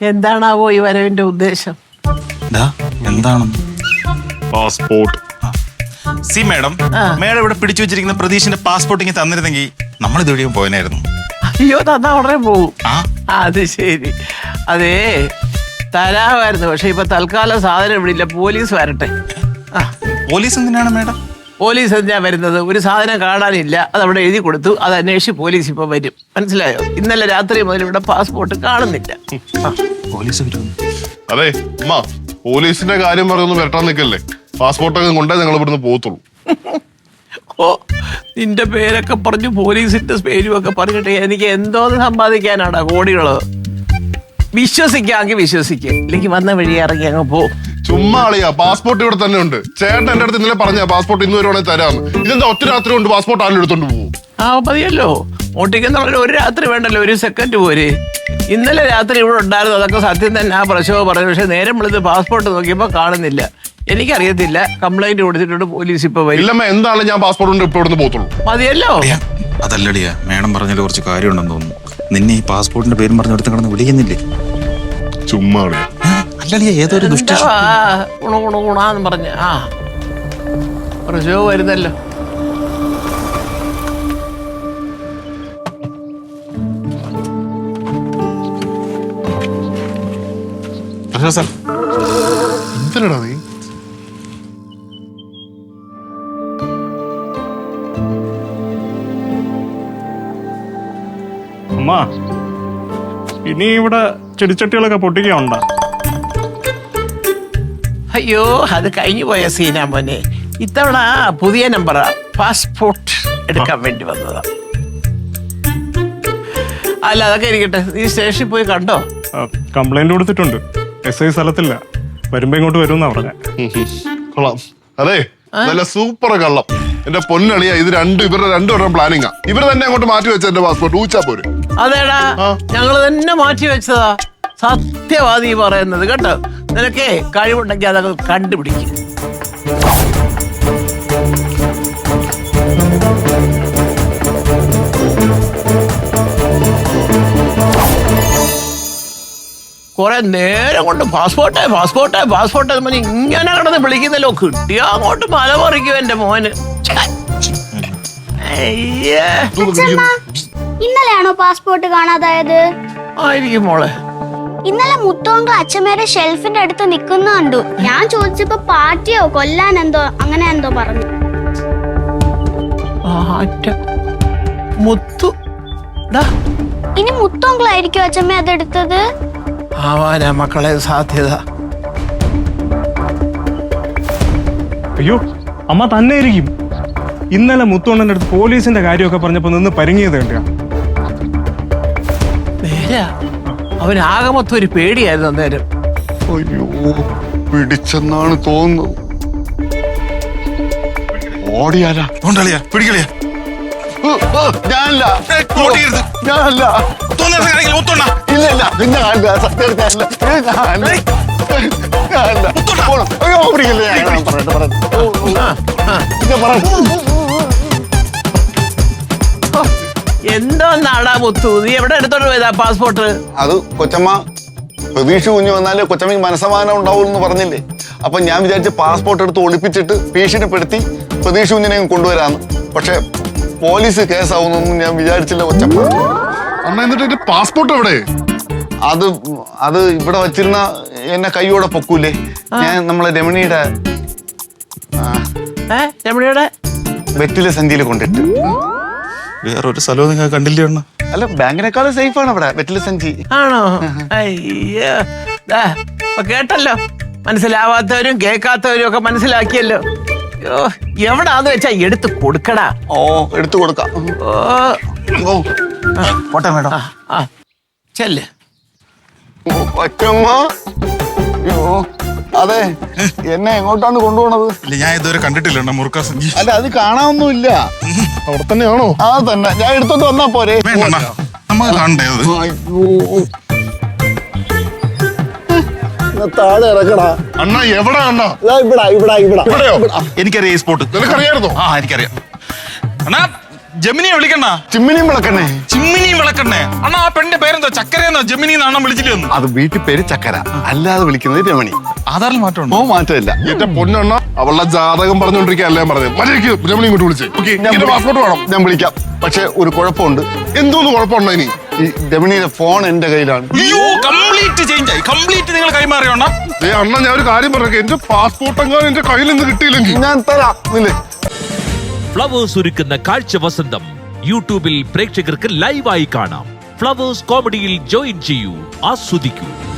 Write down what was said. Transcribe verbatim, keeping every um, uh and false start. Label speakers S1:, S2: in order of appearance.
S1: എന്താണാവോ ഈ വരവിന്റെ ഉദ്ദേശം?
S2: എന്താണ്?
S3: പാസ്പോർട്ട്.
S2: സി മാഡം, മാഡം ഇവിടെ പിടിച്ചു വെച്ചിരിക്കുന്ന പ്രതീഷിന്റെ പാസ്പോർട്ട് ഇങ്ങനെ തന്നിരുന്നെങ്കിൽ നമ്മൾ ഇതുവഴിയും പോയനായിരുന്നു.
S1: അയ്യോ, തന്നാ ഉടനെ പോകും. അത് ശരി. അതേ തരാമായിരുന്നു, പക്ഷെ ഇപ്പൊ തൽക്കാലം സാധനം ഇവിടെ ഇല്ല. പോലീസ് വരട്ടെ.
S2: പോലീസ് എന്തിനാണ് മാഡം?
S1: പോലീസ് എന്തിനാ വരുന്നത്? ഒരു സാധനം കാണാനില്ല, അത് അവിടെ എഴുതി കൊടുത്തു, അത് അന്വേഷിച്ച് പോലീസ് ഇപ്പൊ വരും. മനസ്സിലായോ? ഇന്നലെ രാത്രി മുതൽ ഇവിടെ പാസ്പോർട്ട് കാണുന്നില്ല.
S2: പോലീസ് വരും.
S3: അതെ അമ്മ, പോലീസിന്റെ കാര്യം പറഞ്ഞൊന്നും വരട്ടാൻ നിൽക്കല്ലേ. പാസ്പോർട്ടൊക്കെ കൊണ്ടേ ഞങ്ങൾ ഇവിടുന്ന് പോകത്തുള്ളൂ.
S1: ഓ, നിന്റെ പേരൊക്കെ പറഞ്ഞു പോലീസിന്റെ പേരും ഒക്കെ പറഞ്ഞിട്ട് എനിക്ക് എന്തോന്ന് സമ്പാദിക്കാനാടാ കോടികള്. വിശ്വസിക്കാമെങ്കിൽ വിശ്വസിക്കുക, ഇല്ലെങ്കിൽ വന്ന വഴി ഇറങ്ങി അങ്ങ് പോ.
S3: ചുമ്മാ അളിയാ, പാസ്പോർട്ട് ഇവിടെ തന്നെ ഉണ്ട്. ചേട്ടൻ എന്റെ അടുത്ത് ഇന്നലെ പറഞ്ഞ പാസ്പോർട്ട് ഇന്ന് വരുവാണെങ്കിൽ തരാന്ന്. ഇതെന്താ ഒറ്റ രാത്രി കൊണ്ട് പാസ്പോർട്ട് ആരും എടുത്തോണ്ട് പോകും?
S1: ആ മതിയല്ലോ, ഓട്ടിക്കുന്ന ഒരു രാത്രി വേണ്ടല്ലോ, ഒരു സെക്കൻഡ് പോരെ. ഇന്നലെ രാത്രി ഇവിടെ ഉണ്ടായിരുന്നു, അതൊക്കെ സത്യം തന്നെ. ആ പ്രശ്നമോ പറഞ്ഞു, പക്ഷെ നേരം വിളിച്ച് പാസ്പോർട്ട് നോക്കിയപ്പോ കാണുന്നില്ല. എനിക്കറിയത്തില്ല, കംപ്ലൈന്റ് കൊടുത്തിട്ടുണ്ട്, പോലീസ് ഇപ്പൊ വരും.
S3: ഇല്ലമ്മ, എന്താണ് ഞാൻ പാസ്പോർട്ട് കൊണ്ട് ഇപ്പൊ ഇവിടുന്ന് പോകത്തുള്ളൂ.
S1: മതിയല്ലോ.
S2: അതല്ലടിയാ, മാഡം പറഞ്ഞാൽ കുറച്ച് കാര്യമുണ്ടെന്ന് തോന്നുന്നു. നിന്നെ ഈ പാസ്പോർട്ടിന്റെ പേരും പറഞ്ഞ് എടുത്ത് കിടന്ന് വിളിക്കുന്നില്ലേ?
S3: ചുമ്മാ
S2: അല്ലടിയാ, ഏതൊരു ദുഷ്ട
S1: ഗുണ ഗുണ ഗുണാന്ന് പറഞ്ഞ ആ പ്രശ്നവും വരുന്നല്ലോ.
S3: എന്തിനാ നീ?
S4: അമ്മ, ഇനി ഇവിടെ ചെടിച്ചട്ടികളൊക്കെ പൊട്ടിക്കുണ്ടോ?
S1: അയ്യോ, അത് കഴിഞ്ഞു പോയ സീനാ മോനെ. ഇത്തവണ പുതിയ നമ്പറാ, പാസ്പോർട്ട് എടുക്കാൻ വേണ്ടി വന്നതാ. അല്ല, അതൊക്കെ ഇരിക്കട്ടെ. നീ സ്റ്റേഷനിൽ പോയി കണ്ടോ?
S4: കംപ്ലൈന്റ് കൊടുത്തിട്ടുണ്ട്. എസ് ഐ സ്ഥലത്തില്ല, വരുമ്പോ ഇങ്ങോട്ട് വരുമെന്നാ പറഞ്ഞ.
S3: കൊള്ളാം. അതെ, നല്ല സൂപ്പർ കള്ളം. എന്റെ പൊന്നളിയാ, ഇത് രണ്ടും ഇവരുടെ രണ്ടുപേരുടെ പ്ലാനിങ്ങാ. ഇവർ തന്നെ അങ്ങോട്ട് മാറ്റി വെച്ച എന്റെ പാസ്പോർട്ട് ഊച്ചാ പോരെ.
S1: അതേടാ, ഞങ്ങള് തന്നെ മാറ്റി വെച്ചതാ. സത്യവാദി പറയുന്നത് കേട്ടോ. നിനക്കേ കഴിവുണ്ടെങ്കിൽ അതൊക്കെ കണ്ടുപിടിക്കും. കുറെ നേരം കൊണ്ട് പാസ്പോർട്ടേ പാസ്പോർട്ടേ പാസ്പോർട്ടേ എന്ന് പറഞ്ഞ് ഇങ്ങനെ കിടന്ന് വിളിക്കുന്നല്ലോ. കിട്ടിയാ അങ്ങോട്ട് മല പറിക്കും എന്റെ മോന്.
S5: ഇന്നലെയാണോ പാസ്പോർട്ട് കാണാതായത്?
S1: ആയിരിക്കും മോളെ.
S5: ഇന്നലെ മുത്തോങ്കൾ അച്ഛമ്മയുടെ ഷെൽഫിന്റെ അടുത്ത് നിക്കുന്ന കണ്ടു. ഞാൻ ചോദിച്ചപ്പോ പാറ്റിയോ കൊല്ലാൻ എന്തോ അങ്ങനെ എന്തോ പറഞ്ഞു.
S1: മുത്തു
S5: ഇനി മുത്തോങ്കളായിരിക്കും അച്ഛമ്മ അതെടുത്തത്.
S1: ആവാനാ മക്കളെ സാധ്യത.
S4: അയ്യോ, അമ്മ തന്നെ ആയിരിക്കും. ഇന്നലെ മുത്തോണ്ണന്റെ അടുത്ത് പോലീസിന്റെ കാര്യമൊക്കെ പറഞ്ഞപ്പോ നിന്ന് പരിങ്ങിയത് കണ്ടിയാ.
S1: നേരാ, അവനാകെ മൊത്തം ഒരു പേടിയായിരുന്നു അന്നേരം.
S3: അയ്യോ, പിടിച്ചെന്നാണ് തോന്നുന്നത്. ഓടിയാലാ
S2: കൊണ്ടളിയാ, പിടിക്കളിയാ.
S3: ഞാനല്ല ഞാനല്ല ഇല്ല ഇല്ല ഞാനല്ല സത്യം ഞാനല്ല ഞാനല്ല ഞാനല്ല അയ്യോ പിടിക്കില്ല. പറയട്ടെ പറയട്ടെ
S1: എന്തോന്നാടാ മുത്തു, നീ എവിടെ എടുത്തോണ്ട് പോയതാ പാസ്പോർട്ട്?
S6: അത് കൊച്ചമ്മ പ്രതീക്ഷ കുഞ്ഞു വന്നാല് കൊച്ചമ്മക്ക് മനസ്സമാനം ഉണ്ടാവും എന്ന് പറഞ്ഞില്ലേ. അപ്പൊ ഞാൻ വിചാരിച്ച് പാസ്പോർട്ട് എടുത്ത് ഒളിപ്പിച്ചിട്ട് ഭീഷണിപ്പെടുത്തി പ്രതീക്ഷ കുഞ്ഞിനെ കൊണ്ടുവരാന്ന്. പക്ഷെ പോലീസ് കേസാവുന്നൊന്നും ഞാൻ വിചാരിച്ചില്ല കൊച്ചമ്മ.
S3: അമ്മ, എന്നിട്ട് പാസ്പോർട്ട് എവിടെ?
S6: അത് അത് ഇവിടെ വച്ചിരുന്ന എന്നെ കൈയോടെ പൊക്കൂലേ. ഞാൻ നമ്മളെ രമണിയുടെ
S1: രമണിയുടെ
S6: വെറ്റിലെ സഞ്ചിയിൽ കൊണ്ടിട്ട്.
S2: വേറൊരു സ്ഥലവും നിങ്ങൾ കണ്ടില്ലേ?
S6: അല്ല, ബാങ്കിനേക്കാളും സേഫ് ആണ് ഇവിടെ വെറ്റിലെ സഞ്ചി.
S1: ആണോ? അയ്യോ, കേട്ടല്ലോ. മനസ്സിലാവാത്തവരും കേൾക്കാത്തവരും ഒക്കെ മനസ്സിലാക്കിയല്ലോ. എവിടാന്ന് വെച്ചാ എടുത്ത് കൊടുക്കടാ.
S6: ഓ, എടുത്തു കൊടുക്കാം.
S1: ഓ പോട്ടെ മേഡം. ആ ചെല്ല്.
S6: കൊച്ചമ്മ, അതെ, എന്നെ എങ്ങോട്ടാണ് കൊണ്ടുപോണത്?
S2: ഞാൻ ഇതുവരെ കണ്ടിട്ടില്ല മുറുക്ക സഞ്ചി.
S6: അല്ല, അത് കാണാനൊന്നുമില്ല.
S3: അവിടെ തന്നെയാണോ?
S6: ആ തന്നെ, ഞാൻ എടുത്തോണ്ട് വന്നാ പോരെ.
S2: നമുക്ക് കാണണ്ടേ അത്?
S6: താഴെ ഇറക്കടാ.
S3: അണ്ണാ എവിടാ അണ്ണാ?
S6: ഇവിടെ ഇവിടെ ഇവിടെ
S3: ഇവിടെയോ?
S2: എനിക്കറിയാം ഈ സ്പോട്ട്.
S3: നിനക്കറിയായിരുന്നോ?
S2: ആ, എനിക്കറിയാം. അണ്ണാ ജമിനിയെ വിളിക്കണ്ട,
S6: ചിമ്മിനിയും വിളക്കണ്ണേ.
S2: ചിമ്മിനിയും വിളക്കണ്ണേ. അണ്ണാ ആ പെണ്ണിന്റെ പേരെന്തോ? ചക്കരയെന്നോ ജമിനി എന്നാ അണ്ണൻ വിളിച്ചില്ലേ ഒന്ന്?
S6: അത് വീട്ടിൽ പേര് ചക്കര, അല്ലാതെ വിളിക്കുന്നത് രമണി.
S2: ആധാറിൽ മാറ്റമുണ്ടോ?
S6: ഓ മാറ്റമില്ല.
S3: എന്റെ പൊന്നെണ്ണ അവളുടെ ജാതകം പറഞ്ഞോണ്ടിരിക്കുകയല്ലേ ഞാൻ പറഞ്ഞത്. മര്യാദയ്ക്ക് രമണി ഇങ്ങോട്ട് വിളിച്ചേ. ഓക്കേ,
S6: ഞാൻ
S3: എന്റെ പാസ്പോർട്ട് വേണം.
S6: ഞാൻ വിളിക്കാം. പക്ഷെ ഒരു കുഴപ്പമുണ്ട്.
S3: എന്തോന്ന് കുഴപ്പമുണ്ടോ ഇനി?
S6: ഈ രമണിയുടെ ഫോൺ എന്റെ കയ്യിലാണ്.
S2: അയ്യോ, കംപ്ലീറ്റ് ചേഞ്ച് ആയി. കംപ്ലീറ്റ് നിങ്ങൾ കൈമാറിയോണ്ണ.
S3: ഏ അണ്ണ, ഞാൻ ഒരു കാര്യം പറഞ്ഞേക്കെ, എന്റെ പാസ്പോർട്ട് എങ്ങാനും എന്റെ കയ്യിൽ നിന്ന് കിട്ടിയില്ലെങ്കിൽ
S6: ഞാൻ തരാം. ഇല്ലേ?
S7: ഫ്ലവേഴ്സ് ഒരുക്കുന്ന കാഴ്ച വസന്തം യൂട്യൂബിൽ പ്രേക്ഷകർക്ക് ലൈവായി കാണാം. ഫ്ലവേഴ്സ് കോമഡിയിൽ ജോയിൻ ചെയ്യൂ, ആസ്വദിക്കൂ.